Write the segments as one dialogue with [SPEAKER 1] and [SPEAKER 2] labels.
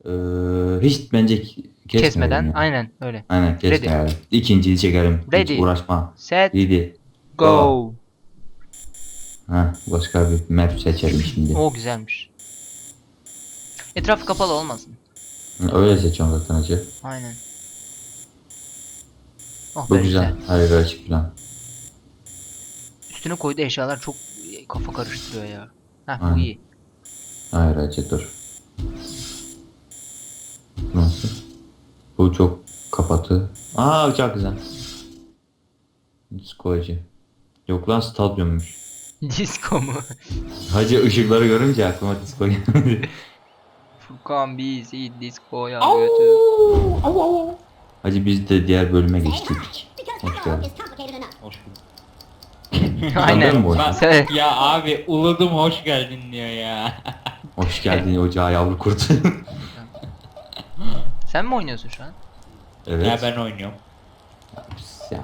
[SPEAKER 1] Hiç bence
[SPEAKER 2] Kesmeden.
[SPEAKER 1] ya.
[SPEAKER 2] Aynen öyle.
[SPEAKER 1] Aynen
[SPEAKER 2] Ready.
[SPEAKER 1] kesmeyelim. İkinciyi çekelim. Hiç
[SPEAKER 2] Ready.
[SPEAKER 1] uğraşma.
[SPEAKER 2] Set.
[SPEAKER 1] Ready.
[SPEAKER 2] Go.
[SPEAKER 1] Ha, başka bir map seçelim şimdi.
[SPEAKER 2] O güzelmiş. Etrafı kapalı olmasın.
[SPEAKER 1] Öyle seçiyorum zaten hacı.
[SPEAKER 2] Aynen. Oh
[SPEAKER 1] Bu
[SPEAKER 2] be güzel.
[SPEAKER 1] güzel. Harika açık plan.
[SPEAKER 2] Üstüne koyduğu eşyalar çok kafa karıştırıyor ya. Heh bu
[SPEAKER 1] Aynen.
[SPEAKER 2] iyi.
[SPEAKER 1] Hayır hacı dur. Nasıl? Bu çok kapatı. Aa çok güzel. Disco hacı. Yok lan stadyummuş.
[SPEAKER 2] Disco mu?
[SPEAKER 1] Hacı ışıkları görünce aklıma disco geldi.
[SPEAKER 2] Furkan bizi disco'ya götür.
[SPEAKER 1] Hacı biz de diğer bölüme geçtik. Hoş geldin.
[SPEAKER 3] Hoş bulduk.
[SPEAKER 1] Tanıyor musun bu
[SPEAKER 2] Aynen.
[SPEAKER 1] oyunu?
[SPEAKER 2] Sen...
[SPEAKER 3] Ya abi uladım hoş geldin diyor ya.
[SPEAKER 1] Hoş geldin ocağa yavru kurt.
[SPEAKER 2] Sen mi oynuyorsun şu an?
[SPEAKER 1] Evet.
[SPEAKER 3] Ya ben oynuyorum.
[SPEAKER 1] Ya,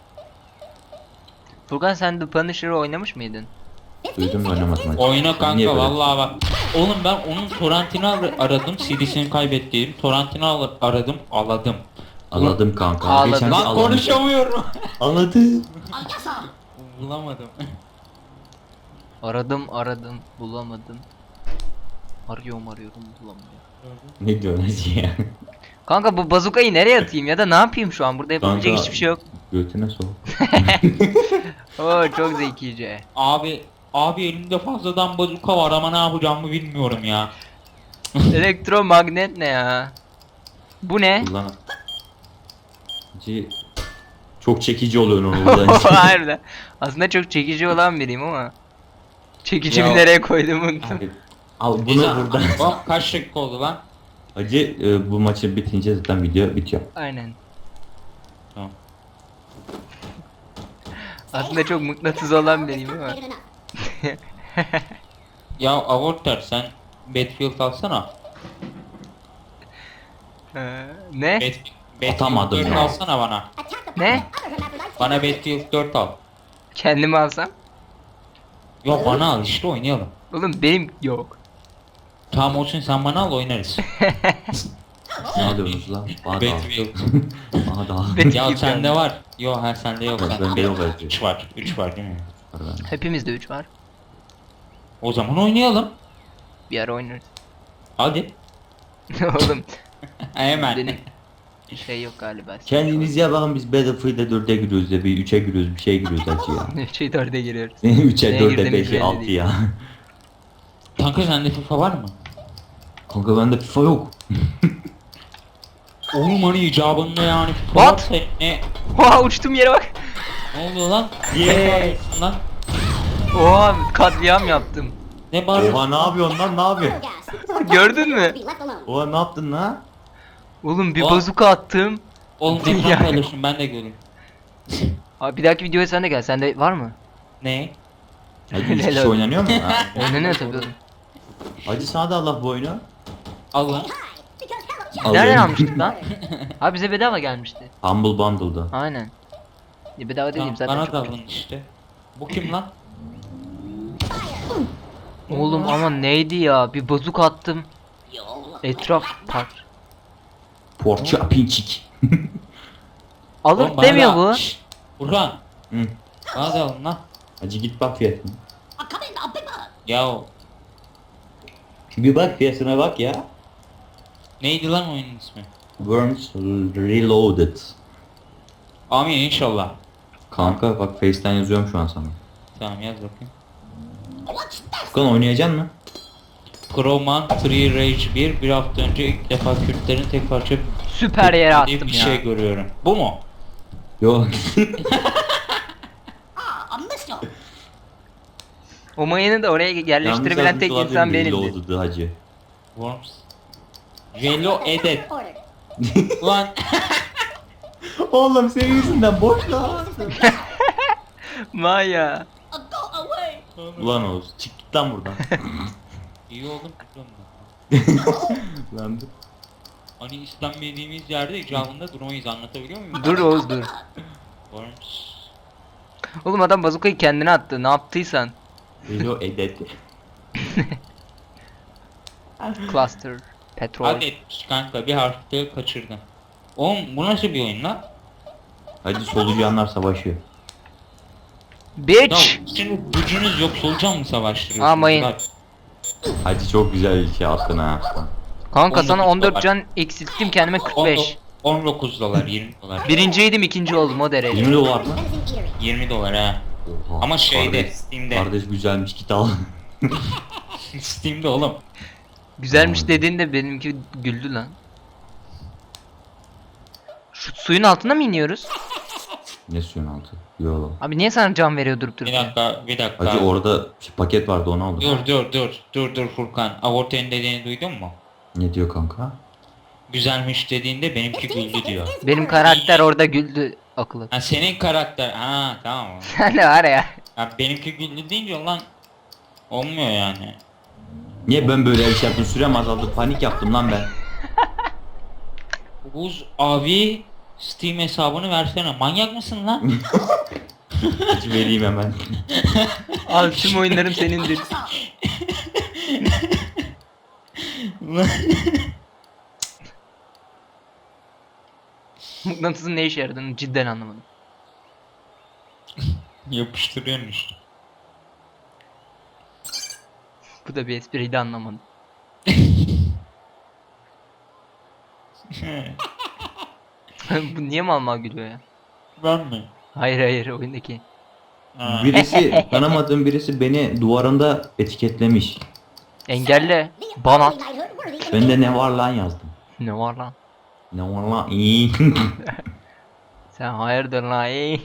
[SPEAKER 2] Furkan sen The Punisher'ı oynamış mıydın?
[SPEAKER 1] duydum da oynamadım hacı.
[SPEAKER 3] Oyna
[SPEAKER 1] Niye
[SPEAKER 3] kanka
[SPEAKER 1] böyle?
[SPEAKER 3] vallahi bak. Oğlum ben onun torrentini aradım. CD'sini kaybettim. Torrentini aradım. Aladım.
[SPEAKER 1] Anladım kanka.
[SPEAKER 2] Ağladım.
[SPEAKER 1] Geçen
[SPEAKER 3] Lan
[SPEAKER 1] bir alamıştım.
[SPEAKER 3] konuşamıyorum.
[SPEAKER 1] Anladım.
[SPEAKER 3] Bulamadım.
[SPEAKER 2] Aradım bulamadım. Arıyorum bulamıyorum.
[SPEAKER 1] Ne diyorsun hacı ya?
[SPEAKER 2] Kanka bu bazukayı nereye atayım ya da ne yapayım şu an? Burada yapabilecek
[SPEAKER 1] Kanka,
[SPEAKER 2] hiçbir şey yok.
[SPEAKER 1] Götüne sok.
[SPEAKER 2] Oo çok zekice.
[SPEAKER 3] Abi elimde fazladan bazuka var ama ne yapacağımı bilmiyorum ya.
[SPEAKER 2] Elektromagnet ne ya? Bu ne?
[SPEAKER 1] Kullan. Hacı çok çekici oluyor onu buradan.
[SPEAKER 2] Harbiden. Aslında çok çekici olan biriyim ama. Çekicimi
[SPEAKER 3] Ya-
[SPEAKER 2] nereye koydum unuttum.
[SPEAKER 1] Al bunu
[SPEAKER 3] Neyse,
[SPEAKER 1] buradan.
[SPEAKER 3] bak kaç dakika oldu lan?
[SPEAKER 1] Hacı bu maçı bitince zaten video bitiyor.
[SPEAKER 2] Aynen.
[SPEAKER 3] Tamam.
[SPEAKER 2] Aslında çok mıknatıs olan biriyim ama.
[SPEAKER 3] Ya Avorter sen Battlefield alsana.
[SPEAKER 2] Ne?
[SPEAKER 3] Battlefield
[SPEAKER 1] Atamadım
[SPEAKER 3] 4
[SPEAKER 1] ya.
[SPEAKER 3] alsana bana.
[SPEAKER 2] Ne?
[SPEAKER 3] Bana Battlefield 4 al.
[SPEAKER 2] Kendimi alsam?
[SPEAKER 3] Yok bana al işte oynayalım.
[SPEAKER 2] Oğlum benim yok.
[SPEAKER 3] Tamam olsun sen bana al oynarız.
[SPEAKER 1] Ne alıyorsunuz lan? Bana da al.
[SPEAKER 3] Battlefield.
[SPEAKER 1] Bana da al.
[SPEAKER 3] Ya sende var. Yok her sende yok.
[SPEAKER 1] Ben
[SPEAKER 3] Sende
[SPEAKER 1] yok.
[SPEAKER 3] 3 var. 3 var değil mi?
[SPEAKER 2] Hepimizde 3 var.
[SPEAKER 3] O zaman oynayalım.
[SPEAKER 2] Bir ara oynarız.
[SPEAKER 3] Hadi.
[SPEAKER 2] Oğlum
[SPEAKER 3] Hemen.
[SPEAKER 2] benim şey yok galiba.
[SPEAKER 1] Kendiniz ya bakın biz Battlefield'e 4'e giriyoruz ya bir 3'e giriyoruz bir şeye giriyoruz hacı ya.
[SPEAKER 2] Şey 4'e giriyoruz.
[SPEAKER 1] 3'e
[SPEAKER 2] Neye
[SPEAKER 1] 4'e
[SPEAKER 2] girdiğimiz
[SPEAKER 1] 5'e
[SPEAKER 2] belli
[SPEAKER 1] 6
[SPEAKER 2] değil.
[SPEAKER 1] ya.
[SPEAKER 3] Kanka sende FIFA var mı?
[SPEAKER 1] Kanka bende FIFA yok.
[SPEAKER 3] Oğlum hani icabında yani FIFA
[SPEAKER 2] What?
[SPEAKER 3] varsa ne?
[SPEAKER 2] Oha uçtum yere bak.
[SPEAKER 3] Ne oluyor lan?
[SPEAKER 1] Yeah.
[SPEAKER 3] Ne bağırıyorsun lan?
[SPEAKER 2] Oha katliam yaptım.
[SPEAKER 3] Ne bağırıyorsun?
[SPEAKER 1] Oha ne yapıyorsun lan ne yapıyorsun?
[SPEAKER 2] Gördün mü?
[SPEAKER 1] Oha ne yaptın lan?
[SPEAKER 2] Oğlum bir
[SPEAKER 3] Oha.
[SPEAKER 2] bazuka attım.
[SPEAKER 3] Oğlum
[SPEAKER 2] Ya.
[SPEAKER 3] ekran paylaşın ben de göreyim.
[SPEAKER 2] Abi bir dahaki videoya sen de gel. Sende var mı?
[SPEAKER 3] Ne?
[SPEAKER 1] Hacı 3 kişi
[SPEAKER 2] Helal.
[SPEAKER 1] oynanıyor mu? Ha.
[SPEAKER 2] Oynanıyor tabii oğlum.
[SPEAKER 1] Hacı sana da Allah bu oyunu.
[SPEAKER 3] Al lan.
[SPEAKER 2] Nereden almıştık lan? Abi bize bedava gelmişti.
[SPEAKER 1] Humble Bundle'da.
[SPEAKER 2] Aynen. Bedava dediğim
[SPEAKER 3] Tamam,
[SPEAKER 2] zaten
[SPEAKER 3] bana
[SPEAKER 2] çok
[SPEAKER 3] da
[SPEAKER 2] ucuz.
[SPEAKER 3] alın işte. Bu kim lan?
[SPEAKER 2] Oğlum ama neydi ya? Bir bazuka attım. Etraf par.
[SPEAKER 1] Porça pinçik.
[SPEAKER 2] Alır
[SPEAKER 3] Oğlum bana
[SPEAKER 2] demiyor
[SPEAKER 3] da-
[SPEAKER 2] bu.
[SPEAKER 3] Şşş, Burhan.
[SPEAKER 1] Hı.
[SPEAKER 3] Bana da alın lan.
[SPEAKER 1] Hacı git bak fiyatına.
[SPEAKER 3] Ya o-
[SPEAKER 1] Bir bak fiyatına bak ya.
[SPEAKER 3] neydi lan oyunun ismi?
[SPEAKER 1] Worms Reloaded.
[SPEAKER 3] Amin inşallah.
[SPEAKER 1] Kanka bak Face'ten yazıyorum şu an sana.
[SPEAKER 3] Tamam yaz bakayım.
[SPEAKER 1] Furkan oynayacaksın mı?
[SPEAKER 3] Crowman Free Rage 1 hafta önce ilk defa Kürtlerin tek parça
[SPEAKER 2] Süper yere
[SPEAKER 3] diye
[SPEAKER 2] attım
[SPEAKER 3] bir
[SPEAKER 2] ya.
[SPEAKER 3] şey görüyorum. Bu mu?
[SPEAKER 1] Yok.
[SPEAKER 2] O mayını da oraya yerleştirebilen tek insan benimdi.
[SPEAKER 1] Reloaded hacı.
[SPEAKER 3] Worms. Jello Edet. Ulan
[SPEAKER 1] Oğlum senin yüzünden boş lan.
[SPEAKER 2] Maya.
[SPEAKER 1] Ulan Oğuz çık git lan buradan.
[SPEAKER 3] iyi oldum biliyorum ben.
[SPEAKER 1] Lan dur.
[SPEAKER 3] Hani İslam dediğimiz yerde icabında durmayız anlatabiliyor muyum?
[SPEAKER 2] Dur Oğuz dur.
[SPEAKER 3] Worms.
[SPEAKER 2] Oğlum adam bazukayı kendine attı. Ne yaptıysan.
[SPEAKER 1] Relo edet.
[SPEAKER 2] Cluster. Petrol.
[SPEAKER 3] Hak etmiş kanka, bir harfte kaçırdın. Oğlum bu nasıl bir oyun lan?
[SPEAKER 1] Hadi solucanlar savaşıyor.
[SPEAKER 3] Ya
[SPEAKER 2] Bitch.
[SPEAKER 3] şimdi gücünüz yok, solucan mı savaştırıyorsunuz?
[SPEAKER 2] Amayın.
[SPEAKER 3] Bak,
[SPEAKER 1] Hadi çok güzel bir şey attın ha.
[SPEAKER 2] Kanka
[SPEAKER 3] 19
[SPEAKER 2] sana 14
[SPEAKER 3] dolar.
[SPEAKER 2] can eksilttim, kendime 45.
[SPEAKER 3] 19 dolar, 20 dolar.
[SPEAKER 2] Birinciydim, ikinci oldum o derece.
[SPEAKER 1] 20 dolar mı?
[SPEAKER 3] 20 dolar ha.
[SPEAKER 1] Oha,
[SPEAKER 3] Ama şeyde,
[SPEAKER 1] kardeş,
[SPEAKER 3] Steam'de.
[SPEAKER 1] Kardeş güzelmiş, git al.
[SPEAKER 3] Steam'de oğlum.
[SPEAKER 2] Güzelmiş
[SPEAKER 1] Vay.
[SPEAKER 2] dediğinde benimki güldü lan. Şu suyun altına mı iniyoruz?
[SPEAKER 1] Ne suyun altı? Yo.
[SPEAKER 2] Abi niye sana can veriyor durup
[SPEAKER 3] Bir
[SPEAKER 2] dururken?
[SPEAKER 3] dakika, bir dakika.
[SPEAKER 1] Hacı orada paket vardı, onu aldım.
[SPEAKER 3] Dur Furkan. Avorte'nin dediğini duydun mu?
[SPEAKER 1] Ne diyor kanka?
[SPEAKER 3] Güzelmiş dediğinde benimki güldü diyor.
[SPEAKER 2] Benim karakter orada güldü akıllı.
[SPEAKER 3] Ha senin karakter. Ha tamam.
[SPEAKER 2] Sen de var ya.
[SPEAKER 3] Ya benimki güldü deyince lan olmuyor yani.
[SPEAKER 1] Niye ben böyle bir şey yaptım? Sürem azaldı, panik yaptım lan ben.
[SPEAKER 3] Buz abi Steam hesabını versene. Manyak mısın lan?
[SPEAKER 1] Hiç vereyim hemen.
[SPEAKER 2] Al, tüm oyunlarım senindir. Mıknatısın ne işe yaradığını cidden anlamadım.
[SPEAKER 3] Yapıştırıyorsun işte.
[SPEAKER 2] Bu da bir espriydi, anlamadım. Bu niye mal mal gülüyor ya?
[SPEAKER 3] Ben mi?
[SPEAKER 2] Hayır hayır, oyundaki.
[SPEAKER 3] Ha.
[SPEAKER 1] Birisi, tanımadığım birisi beni duvarında etiketlemiş.
[SPEAKER 2] Engelle. Bana.
[SPEAKER 1] Ben de ne var lan yazdım.
[SPEAKER 2] Ne var lan?
[SPEAKER 1] Ne var lan? İyi.
[SPEAKER 2] Sen hayırdır lan ey?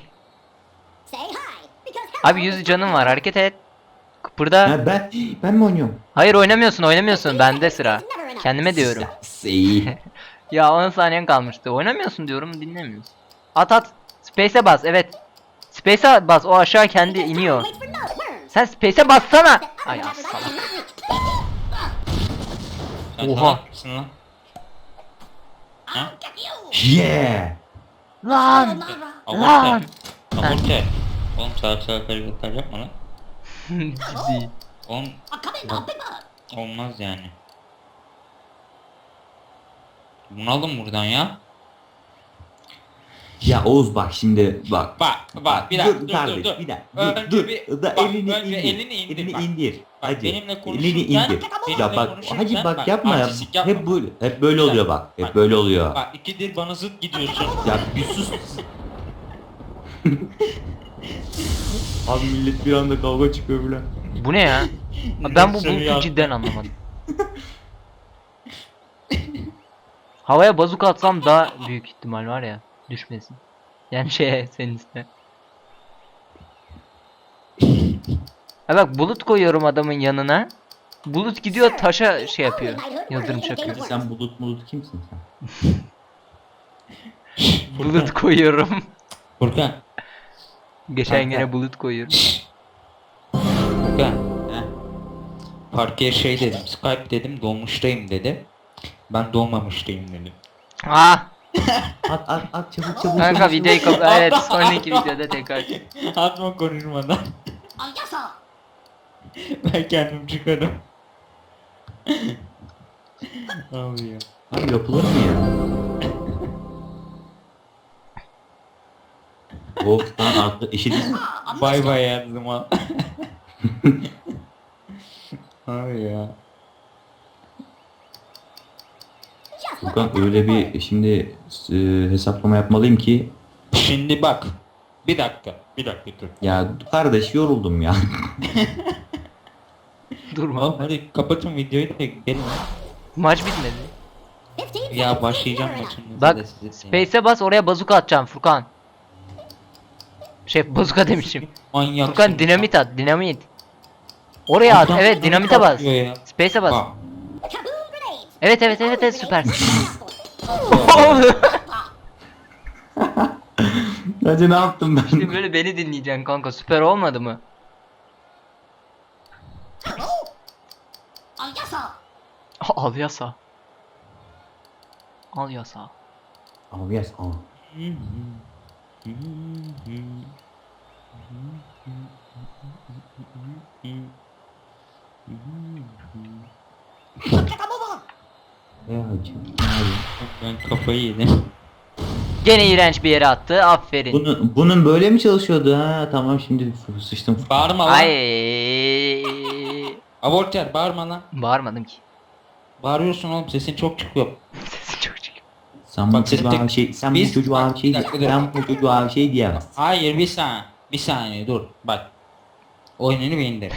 [SPEAKER 2] Abi 100 canım var, hareket et. Kıpırda.
[SPEAKER 1] Ha, ben mi oynuyorum?
[SPEAKER 2] Hayır, oynamıyorsun, bende sıra. Kendime diyorum.
[SPEAKER 1] İyi.
[SPEAKER 2] Ya 10 saniyen kalmıştı. Oynamıyorsun diyorum, dinlemiyorsun. At. Space'e bas, evet. Space'e bas, o aşağı kendi iniyor. Sen Space'e bassana. Ay salak.
[SPEAKER 3] Sen
[SPEAKER 2] Oha.
[SPEAKER 3] salak mısın lan? Ha?
[SPEAKER 1] Yeah.
[SPEAKER 2] Lan.
[SPEAKER 3] Aborte. Aborte. Oğlum salak hareketler yapma lan.
[SPEAKER 2] Ciddi.
[SPEAKER 3] Oğlum olmaz yani. Bunu alın buradan ya.
[SPEAKER 1] Ya Oğuz bak şimdi bak.
[SPEAKER 3] Bak bir dakika dur
[SPEAKER 1] kardeş,
[SPEAKER 3] dur.
[SPEAKER 1] bir dakika.
[SPEAKER 3] Önce
[SPEAKER 1] Dur.
[SPEAKER 3] bir-
[SPEAKER 1] Da
[SPEAKER 3] bak,
[SPEAKER 1] elini
[SPEAKER 3] önce
[SPEAKER 1] indir.
[SPEAKER 3] elini indir,
[SPEAKER 1] Elini
[SPEAKER 3] bak.
[SPEAKER 1] indir.
[SPEAKER 3] Bak,
[SPEAKER 1] Hacı.
[SPEAKER 3] benimle
[SPEAKER 1] Elini
[SPEAKER 3] konuşurken-
[SPEAKER 1] indir.
[SPEAKER 3] benimle
[SPEAKER 1] Ya bak
[SPEAKER 3] konuşurken
[SPEAKER 1] hacı bak
[SPEAKER 3] bak,
[SPEAKER 1] yapma ya.
[SPEAKER 3] artistik yapma.
[SPEAKER 1] Hep böyle oluyor bak. Hep böyle oluyor.
[SPEAKER 3] Bak ikidir bana zıt gidiyorsun.
[SPEAKER 1] Ya bir sus. Abi millet bir anda kavga çıkıyor bile.
[SPEAKER 2] Bu ne ya? Ben bu
[SPEAKER 3] Seni
[SPEAKER 2] bulutu
[SPEAKER 3] yaptım.
[SPEAKER 2] cidden anlamadım. Havaya bazuka atsam daha büyük ihtimal var ya düşmesin. Yani senin üstüne. Ha bak, bulut koyuyorum adamın yanına. Bulut gidiyor taşa şey yapıyor. Yıldırım çakıyor.
[SPEAKER 1] Sen bulut kimsin sen?
[SPEAKER 2] Bulut koyuyorum.
[SPEAKER 3] Furkan.
[SPEAKER 2] Geçen
[SPEAKER 3] Kanka.
[SPEAKER 2] gene bulut koyuyorum.
[SPEAKER 3] Furkan.
[SPEAKER 1] He?
[SPEAKER 3] Parkeye şey dedim. Skype dedim, dolmuştayım dedi. Ben dolmamıştayım dedim.
[SPEAKER 2] Ah!
[SPEAKER 1] At çabuk.
[SPEAKER 2] Kanka
[SPEAKER 1] çabuk.
[SPEAKER 2] videoyu evet, sonraki videoda tekrar.
[SPEAKER 3] Atma konuşmadan. Ben kendim çıkarım. Abi ya.
[SPEAKER 1] Abi yapılır mı ya? Wolf'tan artık eşit.
[SPEAKER 3] Bay bay yazdım ha. Abi ya.
[SPEAKER 1] Furkan öyle bir şimdi hesaplama yapmalıyım ki
[SPEAKER 3] Şimdi bak. Bir dakika dur.
[SPEAKER 1] ya kardeş yoruldum ya.
[SPEAKER 2] Durma.
[SPEAKER 3] Oğlum hadi kapatın videoyu da gidelim.
[SPEAKER 2] Maç bitmedi.
[SPEAKER 3] Ya başlayacağım maçın.
[SPEAKER 2] Bak, Space'e bas, oraya bazuka atacağım Furkan. Bazuka demişim.
[SPEAKER 3] Manyak.
[SPEAKER 2] Furkan dinamit at, dinamit. Oraya at, evet, dinamite bas. Space'e bas. Evet, süpersin.
[SPEAKER 1] Hacı ne yaptım ben?
[SPEAKER 2] Şimdi böyle beni dinleyeceksin kanka, süper olmadı mı? Al yasa. Al yasa.
[SPEAKER 1] Al yes al. hacı. Ne yapayım?
[SPEAKER 3] Ben kafayı yedim.
[SPEAKER 2] Gene iğrenç bir yere attı. Aferin.
[SPEAKER 1] Bunun böyle mi çalışıyordu ha? Tamam şimdi sıçtım.
[SPEAKER 3] Bağırma lan.
[SPEAKER 2] Ay.
[SPEAKER 3] Aborter bağırma lan.
[SPEAKER 2] Bağırmadım ki.
[SPEAKER 3] Bağırıyorsun oğlum, sesin çok çıkıyor.
[SPEAKER 2] Sesin çok çıkıyor.
[SPEAKER 1] Sen bu
[SPEAKER 3] Bak,
[SPEAKER 1] çocuğa
[SPEAKER 3] tek-
[SPEAKER 1] bir şey, sen bu
[SPEAKER 3] biz-
[SPEAKER 1] çocuğa bir şey,
[SPEAKER 3] Bir dakika, dur.
[SPEAKER 1] sen bu çocuğa bir şey diyemezsin.
[SPEAKER 3] Hayır, bir saniye dur bak. Oyununu beğendim.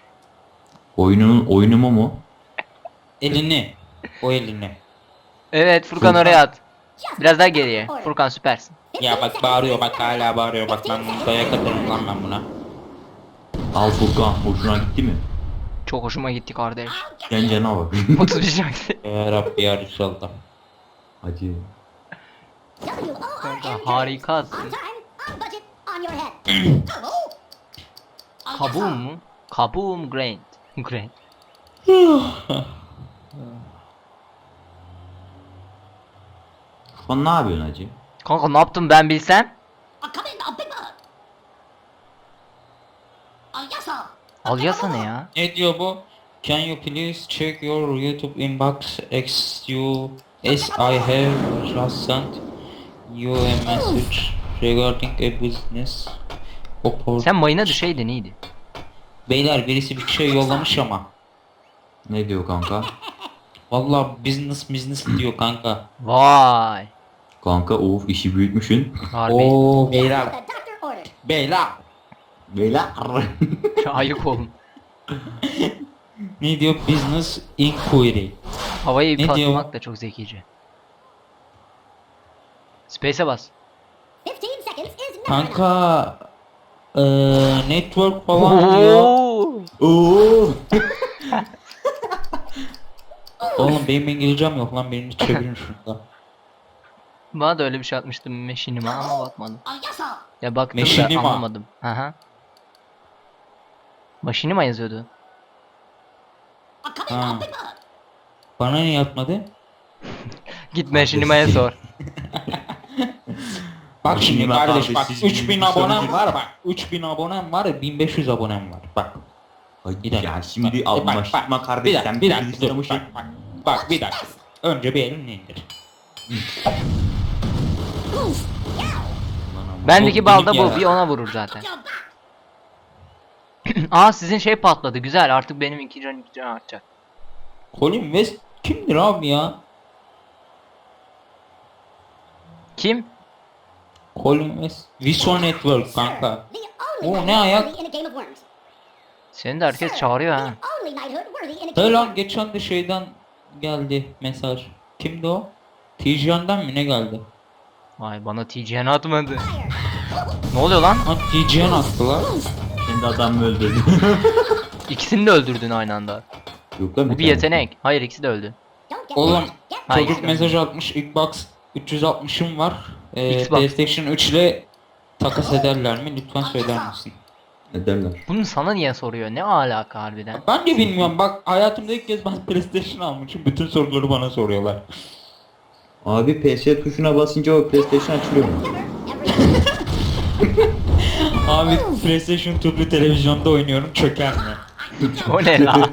[SPEAKER 1] Oyunumu mu?
[SPEAKER 3] Elini. O elini.
[SPEAKER 2] Evet Furkan
[SPEAKER 1] Furkan.
[SPEAKER 2] oraya at. Biraz daha geriye. Furkan süpersin.
[SPEAKER 3] Ya bak bağırıyor, bak hala bağırıyor, bak ben dayak atarım lan ben buna.
[SPEAKER 1] Al Furkan, hoşuna gitti mi?
[SPEAKER 2] Çok hoşuma gitti kardeş.
[SPEAKER 1] Gencene bak.
[SPEAKER 2] 31 gitti.
[SPEAKER 3] Ya Rabbi ya Resulallah.
[SPEAKER 1] Hadi.
[SPEAKER 2] Kanka harikasın. Kabuğum mu? Kabuğum Grand. Grand.
[SPEAKER 1] Furkan ne yapıyorsun hacı?
[SPEAKER 2] Kanka ne yaptım ben bilsem? Al yasa ne ya?
[SPEAKER 3] Ne diyor bu? Can you please check your YouTube inbox as I have just sent you a message regarding a business opportunity.
[SPEAKER 2] Sen mayına düşeydin iyiydi.
[SPEAKER 3] Beyler birisi bir şey yollamış ama.
[SPEAKER 1] Ne diyor kanka?
[SPEAKER 3] Vallahi business diyor kanka.
[SPEAKER 2] Vay.
[SPEAKER 1] Kanka of işi büyütmüşsün.
[SPEAKER 2] Harbi.
[SPEAKER 3] Oo beyler. Beyler.
[SPEAKER 1] Beyler.
[SPEAKER 2] Ayık olun.
[SPEAKER 3] Ne diyor? Business inquiry.
[SPEAKER 2] Havayı
[SPEAKER 3] Ne diyor?
[SPEAKER 2] patlamak da çok zekice. Space'e bas.
[SPEAKER 3] Kanka network falan diyor.
[SPEAKER 2] Oo.
[SPEAKER 1] Oo.
[SPEAKER 3] Oğlum benim İngilizcem yok lan, birini çevirin şurada.
[SPEAKER 2] Bana da öyle bir şey atmıştım meşinime ama bakmadım. Ya baktım
[SPEAKER 3] Meşinima.
[SPEAKER 2] da anlamadım. Aha. Maşinima yazıyordu.
[SPEAKER 3] Ha. Bana niye yapmadı?
[SPEAKER 2] Git meşinimaya sor.
[SPEAKER 3] Bak şimdi
[SPEAKER 1] Meşinima
[SPEAKER 3] kardeş, bak
[SPEAKER 1] siz
[SPEAKER 3] 3000
[SPEAKER 1] bilgisayarı-
[SPEAKER 3] abonem var, bak 3000 abonem var, 1500 abonem var, bak.
[SPEAKER 1] Hadi
[SPEAKER 3] Bir dakika.
[SPEAKER 1] ya şimdi
[SPEAKER 3] Bak,
[SPEAKER 1] anlaşma kardeş
[SPEAKER 3] bir dakika,
[SPEAKER 1] sen
[SPEAKER 3] bir dakika, dur,
[SPEAKER 1] istemişsin.
[SPEAKER 3] bak bir dakika. Önce bir elini indir.
[SPEAKER 2] Bendeki
[SPEAKER 3] O
[SPEAKER 2] balda
[SPEAKER 3] benim
[SPEAKER 2] bu.
[SPEAKER 3] ya.
[SPEAKER 2] Bir ona vurur zaten. Aa sizin şey patladı. Güzel. Artık benim 2 can artacak.
[SPEAKER 3] Colin West kimdir abi ya?
[SPEAKER 2] Kim?
[SPEAKER 3] Colin West. Viso Network kanka. O ne ayak?
[SPEAKER 2] Seni de herkes çağırıyor ha.
[SPEAKER 3] Hey lan geçen de şeyden geldi mesaj. Kimdi o? Tijan'dan mı ne geldi?
[SPEAKER 2] Vay bana TCN atmadı. Ne oluyor lan?
[SPEAKER 3] Ha Tijan attılar.
[SPEAKER 1] Kendi adamı öldürdü.
[SPEAKER 2] İkisini de öldürdün aynı anda.
[SPEAKER 1] Yok lan
[SPEAKER 2] Bu bir
[SPEAKER 1] tane.
[SPEAKER 2] yetenek. Hayır ikisi de öldü.
[SPEAKER 3] Oğlum
[SPEAKER 2] Hayır.
[SPEAKER 3] çocuk mesaj atmış, Xbox 360'ım var.
[SPEAKER 2] Xbox.
[SPEAKER 3] PlayStation 3 ile takas ederler mi? Lütfen söyler misin?
[SPEAKER 1] Ederler.
[SPEAKER 2] Bunu sana niye soruyor? Ne alaka harbiden?
[SPEAKER 3] Ben de bilmiyorum, bak hayatımda ilk kez ben PlayStation almışım. Bütün soruları bana soruyorlar.
[SPEAKER 1] Abi PS tuşuna basınca o PlayStation açılıyor mu?
[SPEAKER 3] Abi PlayStation tüplü televizyonda oynuyorum, çöker mi?
[SPEAKER 2] O ne la?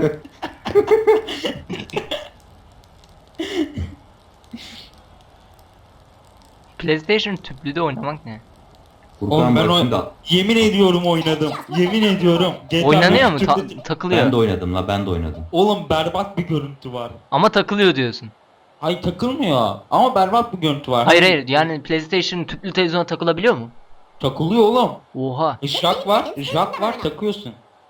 [SPEAKER 2] PlayStation tüplüde oynamak ne?
[SPEAKER 3] Oğlum ben
[SPEAKER 1] Furkan da
[SPEAKER 3] yemin ediyorum oynadım. Yemin ediyorum. GTA
[SPEAKER 2] Oynanıyor mu?
[SPEAKER 3] beş tüplü-
[SPEAKER 2] Takılıyor.
[SPEAKER 1] ben de oynadım la ben de oynadım.
[SPEAKER 3] Oğlum berbat bir görüntü var.
[SPEAKER 2] Ama takılıyor diyorsun.
[SPEAKER 3] Hayır takılmıyor ama berbat bir görüntü var.
[SPEAKER 2] Hayır hayır yani PlayStation tüplü televizyona takılabiliyor mu?
[SPEAKER 3] Takılıyor oğlum.
[SPEAKER 2] Oha.
[SPEAKER 3] Jack var takıyorsun.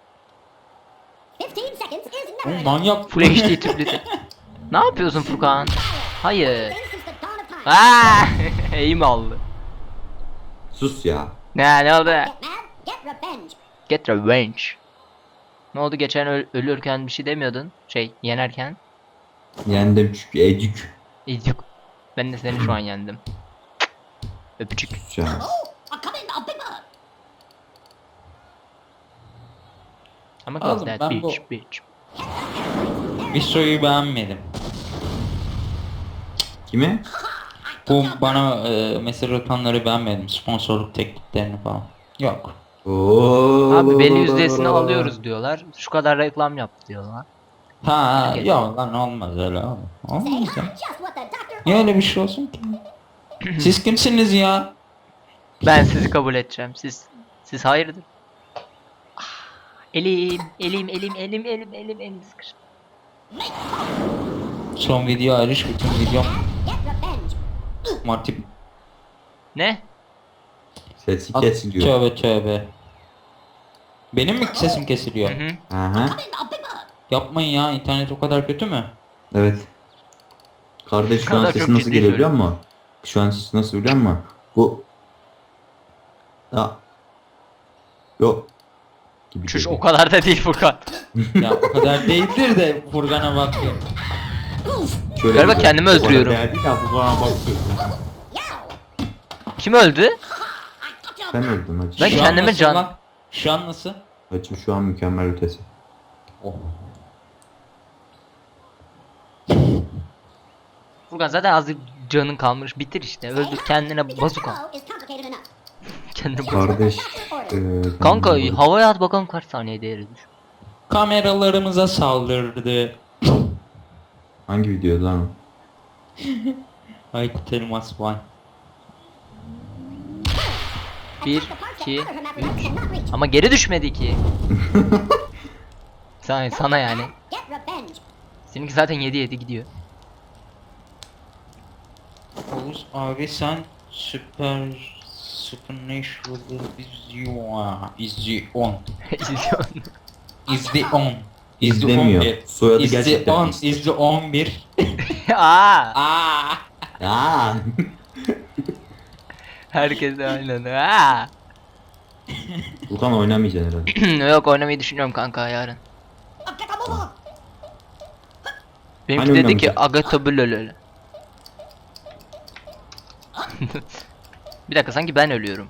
[SPEAKER 3] Oğlum manyak.
[SPEAKER 2] Full HD tüplü Ne yapıyorsun Furkan? Hayır. Aaa! Eğim aldı.
[SPEAKER 1] Sus ya.
[SPEAKER 2] Ne oldu? Get revenge. Ne oldu geçen ölürken bir şey demiyordun? Yenerken.
[SPEAKER 1] Yendim çünkü ecük.
[SPEAKER 2] İzyok. Ben de seni şu an yendim. Öpücük.
[SPEAKER 1] Sus ya.
[SPEAKER 2] Ama
[SPEAKER 3] Oğlum,
[SPEAKER 2] cause that
[SPEAKER 3] ben bu-
[SPEAKER 2] bitch.
[SPEAKER 3] Visso'yu beğenmedim.
[SPEAKER 1] Kimi?
[SPEAKER 3] Bu bana mesaj atanları beğenmedim. Sponsorluk tekliflerini falan. Yok.
[SPEAKER 1] Oo.
[SPEAKER 2] Abi belli yüzdesini alıyoruz diyorlar. Şu kadar reklam yaptı diyorlar.
[SPEAKER 3] Ha ya lan olmaz öyle abi. Olmaz ya. Niye öyle bir şey olsun ki? Siz kimsiniz ya?
[SPEAKER 2] Ben sizi kabul edeceğim. Siz hayırdır? Ah, elim sıkıştı.
[SPEAKER 3] Son video hariç bütün videom Marty.
[SPEAKER 2] Ne?
[SPEAKER 1] Sesi kesiliyor.
[SPEAKER 3] Tövbe tövbe. Benim mi sesim kesiliyor?
[SPEAKER 2] Hı hı.
[SPEAKER 1] Aha.
[SPEAKER 3] Yapmayın ya, internet o kadar kötü mü?
[SPEAKER 1] Evet. Kardeş şu an
[SPEAKER 2] Kadar
[SPEAKER 1] sesi
[SPEAKER 2] çok
[SPEAKER 1] nasıl
[SPEAKER 2] ciddi
[SPEAKER 1] geliyor biliyor
[SPEAKER 2] söylüyorum.
[SPEAKER 1] musun? Şu an sesi nasıl biliyor musun? Bu. Ya. Yok. Gibi
[SPEAKER 2] Çüş
[SPEAKER 1] geliyor.
[SPEAKER 2] o kadar da değil Furkan.
[SPEAKER 3] Ya o kadar değildir de Furkan'a bakıyor.
[SPEAKER 1] Şöyle
[SPEAKER 2] Galiba
[SPEAKER 1] gibi.
[SPEAKER 2] kendimi
[SPEAKER 1] Bu arada
[SPEAKER 2] öldürüyorum.
[SPEAKER 1] değerli ya, bu bana bakıyor.
[SPEAKER 2] Kim öldü?
[SPEAKER 1] Sen öldün hacı.
[SPEAKER 2] Ben
[SPEAKER 3] Şu an
[SPEAKER 2] kendime
[SPEAKER 3] nasıl
[SPEAKER 2] can-
[SPEAKER 3] lan? Şu an nasıl?
[SPEAKER 1] Hacım şu an mükemmel ötesi.
[SPEAKER 3] Oh.
[SPEAKER 2] Furkan zaten azıcık canın kalmış. Bitir işte. Öldür kendine bazuka. Kendine bazuka.
[SPEAKER 1] Kardeş.
[SPEAKER 2] Kanka
[SPEAKER 1] ben-
[SPEAKER 2] havaya at bakalım kaç saniyede eridir.
[SPEAKER 3] Kameralarımıza saldırdı.
[SPEAKER 1] Hangi videoda lan o?
[SPEAKER 3] Aykut Elmas Van.
[SPEAKER 2] 1, 2, 3. Ama geri düşmedi ki. Sana yani. Seninki zaten 7 gidiyor.
[SPEAKER 3] Oğuz abi sen Supernatural is the on. Is the on. Is the
[SPEAKER 1] İzlemiyor.
[SPEAKER 3] 11.
[SPEAKER 1] Soyadı
[SPEAKER 3] Is the
[SPEAKER 1] gerçekten
[SPEAKER 3] on.
[SPEAKER 1] pis.
[SPEAKER 3] Is the 11.
[SPEAKER 2] Aa,
[SPEAKER 3] Aa.
[SPEAKER 1] Aa.
[SPEAKER 2] herkes de aynen. Aa.
[SPEAKER 1] Furkan oynamayacaksın herhalde.
[SPEAKER 2] Yok oynamayı düşünüyorum kanka yarın. Benimki
[SPEAKER 1] Hani
[SPEAKER 2] dedi ki
[SPEAKER 1] oynamayacak?
[SPEAKER 2] Agatobulolol. Bir dakika sanki ben ölüyorum.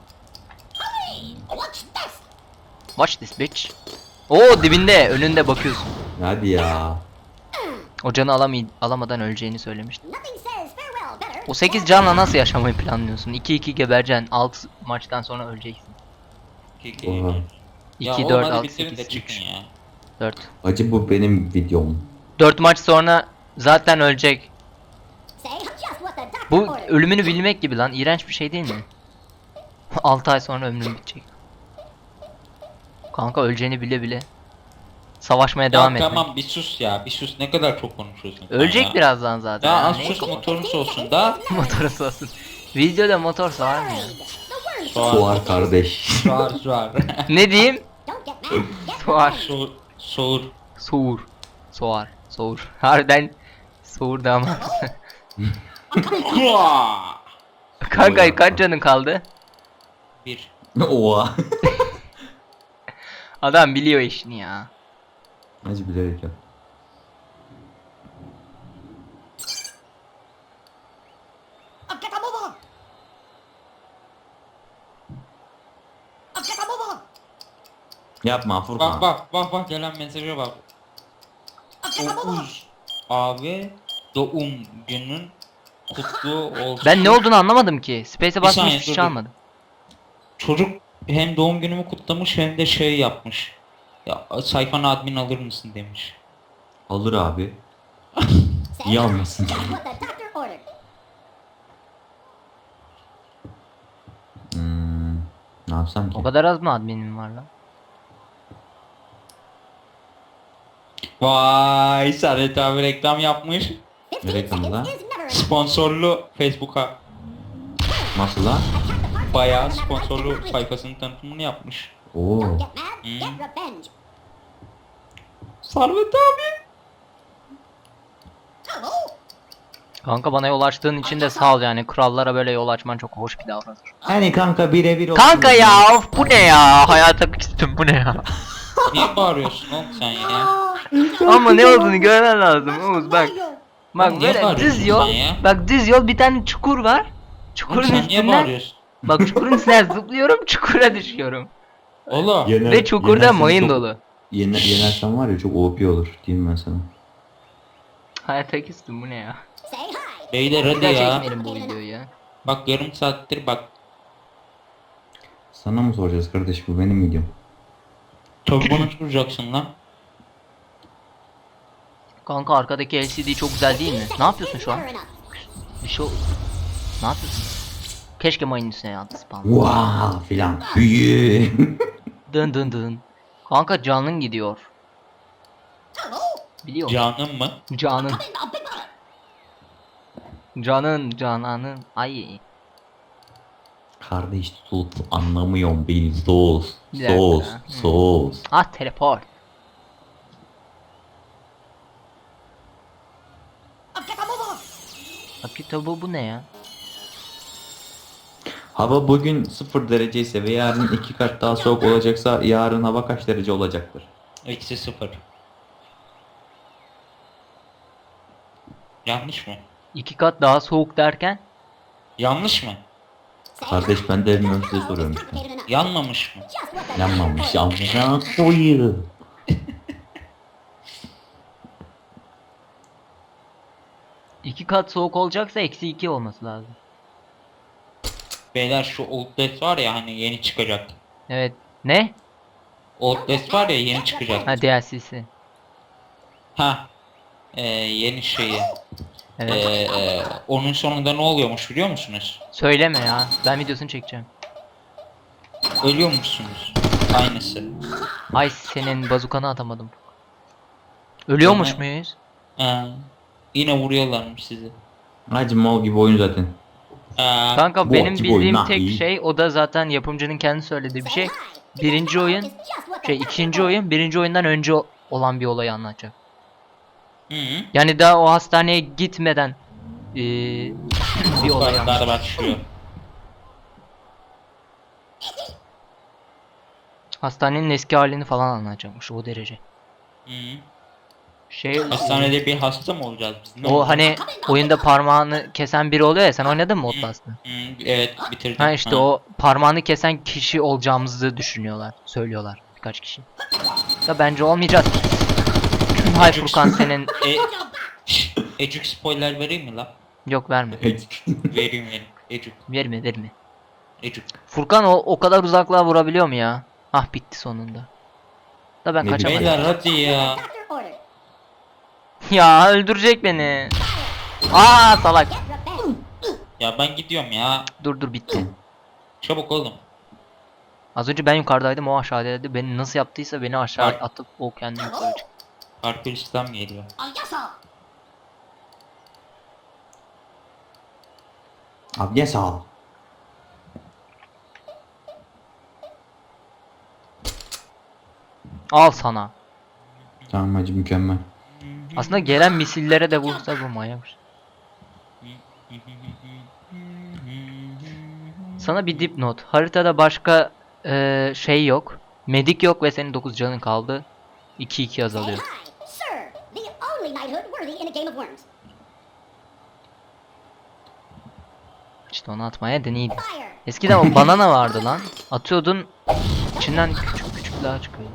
[SPEAKER 2] Watch this bitch. Oo dibinde önünde bakıyorsun.
[SPEAKER 1] Hadi ya.
[SPEAKER 2] O canı alamadan öleceğini söylemişti. O 8 canla nasıl yaşamayı planlıyorsun? 2-2 gebereceksin. 6 maçtan sonra öleceksin.
[SPEAKER 1] Oha.
[SPEAKER 2] 2,
[SPEAKER 3] Ya
[SPEAKER 2] 4,
[SPEAKER 3] oğlum hadi
[SPEAKER 2] 6,
[SPEAKER 3] bitirin de
[SPEAKER 2] 8,
[SPEAKER 3] çıkın
[SPEAKER 2] 3,
[SPEAKER 3] ya.
[SPEAKER 2] 4.
[SPEAKER 1] Hacı bu benim videom.
[SPEAKER 2] 4 maç sonra zaten ölecek. Bu ölümünü bilmek gibi lan. İğrenç bir şey değil mi? 6 ay sonra ömrün bitecek. Kanka öleceğini bile bile. Savaşmaya devam
[SPEAKER 3] Ya
[SPEAKER 2] etmek.
[SPEAKER 3] tamam bir sus ya, bir sus, ne kadar çok konuşuyorsun sen
[SPEAKER 2] Ölecek
[SPEAKER 3] ya.
[SPEAKER 2] birazdan zaten.
[SPEAKER 3] Ya
[SPEAKER 2] Yani
[SPEAKER 3] az
[SPEAKER 2] ne-
[SPEAKER 3] sus, motorun olsun da.
[SPEAKER 2] Motoru olsun. Videoda motor var mı ya?
[SPEAKER 1] Suar kardeş.
[SPEAKER 3] Soğar.
[SPEAKER 2] Ne diyeyim? Soğar.
[SPEAKER 3] Soğur.
[SPEAKER 2] Soğur. Soğur. Harbiden soğur da ama. Kanka kaç canın kaldı?
[SPEAKER 3] Bir.
[SPEAKER 1] Oha.
[SPEAKER 2] Adam biliyor işini ya.
[SPEAKER 1] Hacı bilerek yap. Yapma Furkan.
[SPEAKER 3] Bak gelen mesaja bak. Oğuz abi doğum günün kutlu olsun.
[SPEAKER 2] Ben ne olduğunu anlamadım ki. Space'e basmış
[SPEAKER 3] saniye,
[SPEAKER 2] hiç
[SPEAKER 3] dur,
[SPEAKER 2] çalmadım.
[SPEAKER 3] Çocuk hem doğum günümü kutlamış hem de şey yapmış. Ya sayfana admin alır mısın demiş.
[SPEAKER 1] Alır abi. İyi almasın. Ne yapsam ki?
[SPEAKER 2] O kadar az mı adminim var lan?
[SPEAKER 3] Vay Saadet abi reklam yapmış.
[SPEAKER 1] Ne reklamı lan?
[SPEAKER 3] Sponsorlu Facebook'a.
[SPEAKER 1] Nasıl lan?
[SPEAKER 3] Bayağı sponsorlu sayfasının tanıtımını yapmış.
[SPEAKER 1] Oo.
[SPEAKER 3] Servet abi.
[SPEAKER 2] Kanka bana yol açtığın için de sağ ol yani. Krallara böyle yol açman çok hoş bir davranış.
[SPEAKER 1] Hani kanka birebir olsun.
[SPEAKER 2] Kanka ya of, bu ne ya? Hayata küstüm bu ne ya?
[SPEAKER 3] Niye bağırıyorsun oğlum sen ya?
[SPEAKER 2] Ama ne olduğunu görmen lazım Oğuz bak. Bak
[SPEAKER 3] Oğlum niye
[SPEAKER 2] böyle
[SPEAKER 3] bağırıyorsun
[SPEAKER 2] düz yol.
[SPEAKER 3] sen ya?
[SPEAKER 2] Bak düz yol bir tane çukur var.
[SPEAKER 3] Oğlum
[SPEAKER 2] Çukurun
[SPEAKER 3] sen niye
[SPEAKER 2] üstünden.
[SPEAKER 3] bağırıyorsun?
[SPEAKER 2] Bak çukurun üstünden zıplıyorum çukura düşüyorum.
[SPEAKER 3] Oğlum.
[SPEAKER 2] Ve çukurda mayın dolu.
[SPEAKER 1] Yenersen var ya çok OP olur diyeyim ben sana.
[SPEAKER 2] Hayata küstüm bu ne ya?
[SPEAKER 3] Beyler
[SPEAKER 2] Bir
[SPEAKER 3] hadi
[SPEAKER 2] daha
[SPEAKER 3] ya.
[SPEAKER 2] çekmeyelim bu videoyu ya.
[SPEAKER 3] Bak yarım saattir bak.
[SPEAKER 1] Sana mı soracağız kardeş bu benim videom.
[SPEAKER 3] Tabii bana soracaksın lan.
[SPEAKER 2] Kanka arkadaki LCD çok güzel değil mi? Ne yapıyorsun şu an? Bir şey Ne yapıyorsun? Keşke mayın üstüne yattı spam.
[SPEAKER 1] Wow filan. Büyü.
[SPEAKER 2] Dın dın dın. Kanka canın gidiyor. Biliyor musun?
[SPEAKER 3] Canım mı?
[SPEAKER 2] Canın. Cananın. Ay.
[SPEAKER 1] Kardeş sus anlamıyorum beni sus.
[SPEAKER 2] Bir dakika.
[SPEAKER 1] Sus. Sus.
[SPEAKER 2] Ah teleport. Akito bu ne ya?
[SPEAKER 1] Hava bugün 0 derece ise ve yarın 2 kat daha soğuk olacaksa yarın hava kaç derece olacaktır?
[SPEAKER 3] Eksi 0. Yanlış mı?
[SPEAKER 2] 2 kat daha soğuk derken?
[SPEAKER 3] Yanlış mı?
[SPEAKER 1] Kardeş ben de bilmiyorum size soruyorum işte.
[SPEAKER 3] Yanmamış mı?
[SPEAKER 1] Yanmamış amına koyayım.
[SPEAKER 2] 2 kat soğuk olacaksa eksi 2 olması lazım.
[SPEAKER 3] Beyler şu Outlast var ya hani yeni çıkacak.
[SPEAKER 2] Evet. Ne?
[SPEAKER 3] Outlast var ya yeni çıkacak.
[SPEAKER 2] Ha DLC'si.
[SPEAKER 3] Ha. Yeni şeyi.
[SPEAKER 2] Evet.
[SPEAKER 3] Onun sonunda ne oluyormuş biliyor musunuz?
[SPEAKER 2] Söyleme ya. Ben videosunu çekeceğim.
[SPEAKER 3] Ölüyormuşsunuz. Aynısı.
[SPEAKER 2] Ay senin bazukanı atamadım. Ölüyormuş
[SPEAKER 3] Sonra-
[SPEAKER 2] muyuz?
[SPEAKER 3] Yine vuruyorlarmış sizi.
[SPEAKER 1] Hacı mal gibi oyun zaten.
[SPEAKER 2] Kanka
[SPEAKER 1] Bu
[SPEAKER 2] benim
[SPEAKER 1] acı
[SPEAKER 2] bildiğim
[SPEAKER 1] oyun ha,
[SPEAKER 2] tek
[SPEAKER 1] iyi.
[SPEAKER 2] şey o da zaten yapımcının kendi söylediği bir şey. Birinci oyun ikinci oyun birinci oyundan önce olan bir olayı anlatacak.
[SPEAKER 3] Hı hı.
[SPEAKER 2] Yani daha o hastaneye gitmeden bir olay anlatacak.
[SPEAKER 3] Kartlar başlıyor.
[SPEAKER 2] Hastanenin eski halini falan anlatacakmış o derece.
[SPEAKER 3] Hı hı.
[SPEAKER 2] Şey
[SPEAKER 3] Hastanede bir hasta mı olacağız biz? Ne
[SPEAKER 2] o
[SPEAKER 3] olacağız?
[SPEAKER 2] hani oyunda parmağını kesen biri oluyor ya, sen oynadın mı Outlast'ı?
[SPEAKER 3] Hı, evet bitirdim.
[SPEAKER 2] Ha işte o parmağını kesen kişi olacağımızı düşünüyorlar, söylüyorlar birkaç kişi. Da bence olmayacağız. Hay Furkan senin
[SPEAKER 3] Ecuk spoiler vereyim mi la?
[SPEAKER 2] yok verme.
[SPEAKER 3] Vereyim. Ecuk.
[SPEAKER 2] Verme.
[SPEAKER 3] Ecuk.
[SPEAKER 2] Furkan o kadar uzaklığa vurabiliyor mu ya? Ah bitti sonunda. Da ben
[SPEAKER 1] Ne
[SPEAKER 2] kaçamadım.
[SPEAKER 3] Beyler hadi ya.
[SPEAKER 2] Ya öldürecek beni. Aa salak.
[SPEAKER 3] Ya ben gidiyorum ya.
[SPEAKER 2] Dur bitti.
[SPEAKER 3] Çabuk oğlum.
[SPEAKER 2] Az önce ben yukarıdaydım, o aşağıdaydı. Beni nasıl yaptıysa beni aşağı
[SPEAKER 3] Bak.
[SPEAKER 2] atıp o kendi yukarı çıktı.
[SPEAKER 3] Parkur İslam geliyor.
[SPEAKER 1] Abi ne sağ ol.
[SPEAKER 2] Al sana.
[SPEAKER 1] Tamam hacı mükemmel.
[SPEAKER 2] Aslında gelen misillere de vursa bu manyak. Sana bir dipnot. Haritada başka şey yok. Medik yok ve senin 9 canın kaldı. 2-2 azalıyor. İşte onu atmaya deneydim. Eskiden o banana vardı lan. Atıyordun, içinden küçük çıkıyor.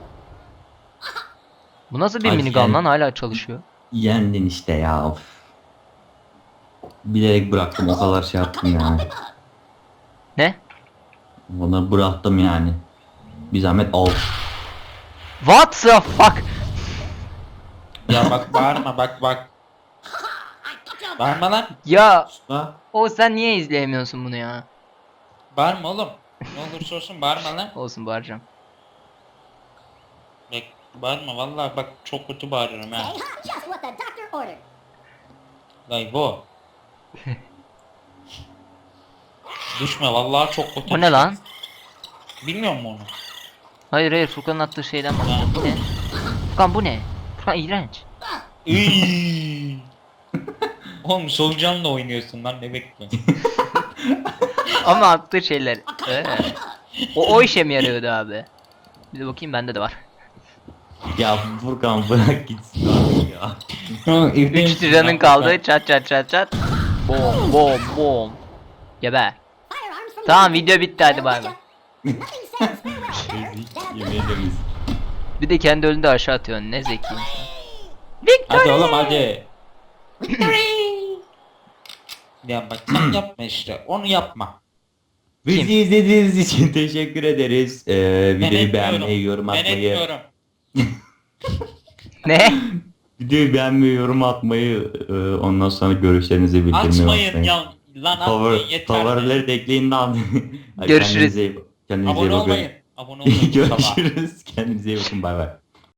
[SPEAKER 2] Bu nasıl bir
[SPEAKER 1] Ay,
[SPEAKER 2] minigun
[SPEAKER 1] yani-
[SPEAKER 2] lan, hala çalışıyor.
[SPEAKER 1] Yendin işte ya. Of. Bilerek bıraktım o kadar şey yaptım yani.
[SPEAKER 2] Ne?
[SPEAKER 1] Onu bıraktım yani. Bir zahmet al.
[SPEAKER 2] What the fuck?
[SPEAKER 3] Ya bak bağırma bak. Bağırma lan.
[SPEAKER 2] Ya
[SPEAKER 1] Ha?
[SPEAKER 2] o sen niye izleyemiyorsun bunu ya?
[SPEAKER 3] Bağırma oğlum. Ne olursa olsun bağırma lan.
[SPEAKER 2] Olsun bağıracağım.
[SPEAKER 3] Bak bağırma vallahi bak çok kötü bağırıyorum ha. Vay bu. Düşme vallahi çok kötü.
[SPEAKER 2] O ne lan?
[SPEAKER 3] Bilmiyor musun onu?
[SPEAKER 2] Hayır Furkan'ın attığı şeyden bahsediyorum. Bu ne? Furkan bu ne? Furkan iğrenç.
[SPEAKER 3] Iiii. Oğlum solucanla oynuyorsun lan ne bekliyorsun?
[SPEAKER 2] Ama attığı şeyler. O işe mi yarıyordu abi? Bir de bakayım, bende de var.
[SPEAKER 1] Ya Furkan bırak gitsin abi ya.
[SPEAKER 2] 3 liranın kaldı. Çat. Bom. Geber. Tamam video bitti, hadi bay bay.
[SPEAKER 1] Yemin ederim.
[SPEAKER 2] Bir de kendi önünde aşağı atıyorsun, ne zeki insan.
[SPEAKER 3] Hadi oğlum hadi. Ya bak sen yapma işte onu yapma.
[SPEAKER 1] Bizi izlediğiniz için teşekkür ederiz. Videoyu
[SPEAKER 3] etmiyorum.
[SPEAKER 1] beğenmeyi, yorum
[SPEAKER 3] Ben
[SPEAKER 1] atmayı.
[SPEAKER 3] etmiyorum.
[SPEAKER 2] Ne?
[SPEAKER 1] Videoyu beğenmeyi, yorum atmayı, ondan sonra görüşlerinizi bildirmeyi
[SPEAKER 3] Açmayın
[SPEAKER 1] unutmayın.
[SPEAKER 3] ya. Lan atmayın yeter.
[SPEAKER 1] Favorileri de ekleyin lan.
[SPEAKER 2] Görüşürüz.
[SPEAKER 1] Kendinize iyi
[SPEAKER 3] Abone
[SPEAKER 1] bakın.
[SPEAKER 3] olmayın. Abone olmayın.
[SPEAKER 1] Görüşürüz. Kendinize iyi bakın. Bay bay.